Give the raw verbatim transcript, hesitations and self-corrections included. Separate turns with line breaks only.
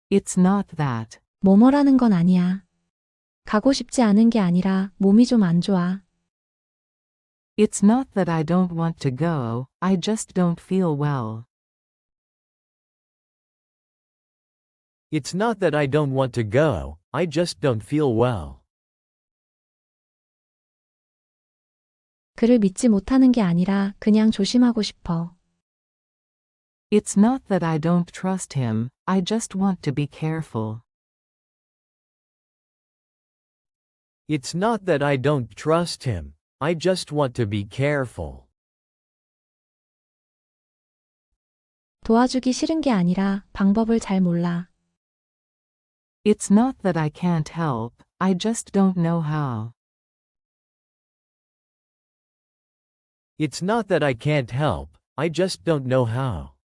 It's not that.
뭐뭐라는 건 아니야. 가고 싶지 않은 게 아니라 몸이 좀 안 좋아.
It's not that I don't want to go, I just don't feel well.
It's not that I don't want to go, I just don't feel well.
그를 믿지 못하는 게 아니라 그냥 조심하고 싶어.
It's not that I don't trust him, I just want to be careful.
It's not that I don't trust him, I just want to be careful.
도와주기 싫은 게 아니라 방법을 잘 몰라.
It's not that I can't help, I just don't know how.
It's not that I can't help, I just don't know how.